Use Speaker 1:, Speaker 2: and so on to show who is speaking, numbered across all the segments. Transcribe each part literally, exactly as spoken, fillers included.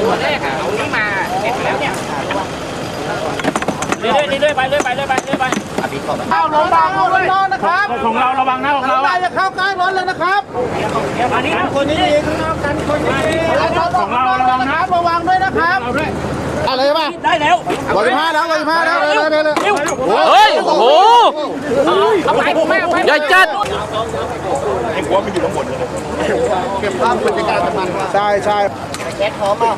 Speaker 1: ตัวแรกอ่ะเอานี้มาเก็บแล้วเนี่ยเรื่อยๆเรื่อยๆไปเรื่อยๆไปเรื่อยๆไปเรื่อยๆไปเข้าระวังเอาไว้น้องนะครับของเราระวังนะของเราอย่าเข้าใกล้รถเลยนะครับอันนี้คนนี้ข้างนอกกันคนนี้ของเราระวังนะระวังด้วยนะครับอะไรมาได้แล้วร้อยห้าแล้วร้อยห้าแล้วเร็วเร็วเร็ว
Speaker 2: เฮ้ยโอ้โห
Speaker 1: เอาไปผมไม่เอาไป
Speaker 2: ใหญ่จัด
Speaker 3: ไอ้หัวมันอยู่ข้างบน
Speaker 1: เก็บภาพบรรยากาศมัน
Speaker 3: ใช่ใช่
Speaker 1: แก๊สพร้อมเปล่า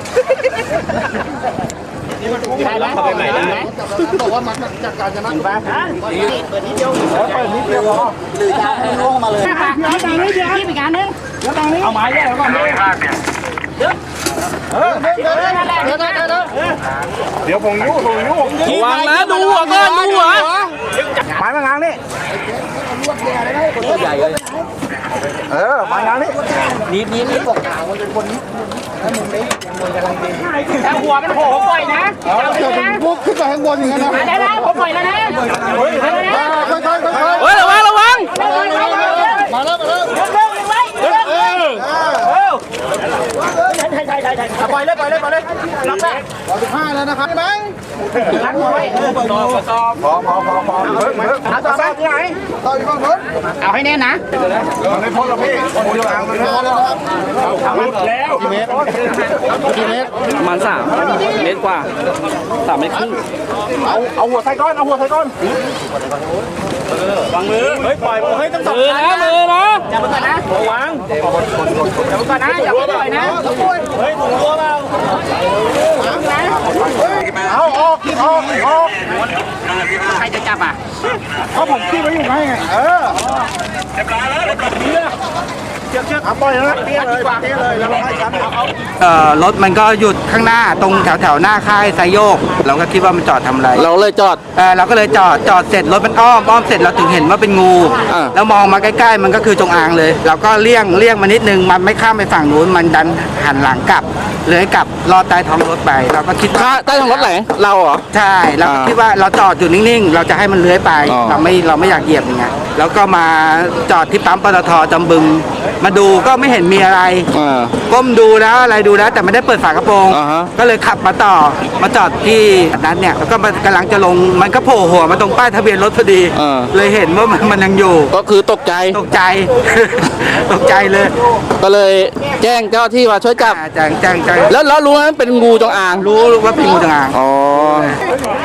Speaker 1: ใช่ไหมเขาไปใหม่ได้ไหม
Speaker 3: บอกว่ามันจากการจะนั่งบ้าน
Speaker 1: เปิดนิดเดียว
Speaker 3: เปิดนิดเดียวพอ
Speaker 1: หรือจะให้ล่วงมาเลยพี่ตังนี้เดียวพี่ไปงานนึงแล้วตังนี้
Speaker 3: เอาไม้แย่แล้วก่อนเดี๋ยวเออเดี๋ยวเดี๋ยวเดี๋ยวเดี๋ยวเดี๋ยวเดี๋ยวผมยุ่งผมยุ่ง
Speaker 2: วางนะดูหัวก่อนดูหัว
Speaker 3: ไม้มางางนี่
Speaker 2: ตัวใหญ่เลย
Speaker 3: เออมางางนี่
Speaker 1: นิดนิดนิดบอกกล่าวมันเป็นคนนิดถ้ามึงได้มึงกำลังดีแต่หัวมันโผล่ปล่อยนะ
Speaker 3: เอานะพวกขึ้นไปข้างบนอย่างนั้นนะ
Speaker 1: ได้แล้วผมปล่อยแล้วนะ
Speaker 3: ค่อยๆค่อยๆค่อยๆ
Speaker 2: เฮ้ยระวังระวัง
Speaker 3: มาแล้วมาแล้ว
Speaker 1: เออเออใช่ใช่ใช่ใช่ปล่อยเลยปล่อยเลยปล่อยเลยรับได้
Speaker 3: ร้อยสิบห้าแล้วนะครับใช่ไหม
Speaker 1: รักหัวไว้ต่อต่อ
Speaker 3: พอพอพอพอเพิ่มเพิ่ม
Speaker 1: ต่อต่อที่ไหน
Speaker 3: ต่ออยู่ข้างบน
Speaker 1: เอาให้แน่นะ
Speaker 3: ในพ้นเราพี่คนเดียวอ่างมันแล้วนะครับแล้วกี่เมตรกี่เมตร
Speaker 2: ประมาณสามเมตรกว่าสามเมตรครึ่ง
Speaker 3: เอาเอาหัวใส่ก้อนเอาหัวใส่ก้อนวางมือเฮ้ยปล่อยมือเฮ้ยต้องจับ
Speaker 2: มือนะมือนะ
Speaker 1: อย่าเพิ่งก่อนนะ
Speaker 3: วาง
Speaker 1: อย่าเพิ่งก่อนนะอย่าเพิ่งปล่อยนะ
Speaker 3: เฮ้ยถุงตัวเปล่าเอาออกออกออก
Speaker 1: ใครจะจับอ่ะ
Speaker 3: เขาผมขี้ไว้อยู่ไงเออเรียบร้อยแล้วเรียบร้อยเชือกเชือกปล่อยนะเตี้ยเลยเตี้ยเลยแล้วให้ฉันเอา
Speaker 4: เอ่อรถมันก็หยุดข้างหน้าตรงแถวแถวหน้าค่ายไซโยกเราก็คิดว่ามันจอดทำอะไร
Speaker 2: เราเลยจอด
Speaker 4: เออเราก็เลยจอดจอดเสร็จรถมันอ้อมอ้อมเสร็จเราถึงเห็นว่าเป็นงู
Speaker 2: อ่า
Speaker 4: แล้วมองมาใกล้ๆมันก็คือจงอางเลยเราก็เลี่ยงเลี่ยงมานิดนึงมันไม่ข้ามไปฝั่งนู้นมันดันหันหลังกลับเลยกลับลอดใต้ท้องรถไปเราก็คิดว่า
Speaker 2: ใต้ท้องรถไหนเราเหรอ
Speaker 4: ใช่เราก็คิดว่าเราจอดอยู่นิ่งๆเราจะให้มันเลื้อยไป
Speaker 2: อ๋อ
Speaker 4: เราไม่เราไม่อยากเหยียบอย่างเงี้ยแล้วก็มาจอดที่ปั๊มปตท.จำบึงมาดูก็ไม่เห็นมีอะไรก้มดูแล้วอะไรดูแล้วแต่ไม่ได้เปิดฝากระโปรง
Speaker 2: อ่าฮะ
Speaker 4: ก็เลยขับมาต่อมาจอดที่นั้นเนี่ยแล้วก็มันกำลังจะลงมันก็โผล่หัวมาตรงป้ายทะเบียนรถพอดี
Speaker 2: อ่า
Speaker 4: เลยเห็นว่ามันมันยังอยู่
Speaker 2: ก็คือตกใจ
Speaker 4: ตกใจ ตกใจเลย
Speaker 2: ก็เลยแจ้งเจ้าที่มาช่วยจับ
Speaker 4: อ่าแจ้งแจ้งแจ้ง
Speaker 2: แล้วแล้วรู้ไหมเป็นงูจงอาง
Speaker 4: รู้ว่าเป็นงูจงอาง
Speaker 2: อ๋อ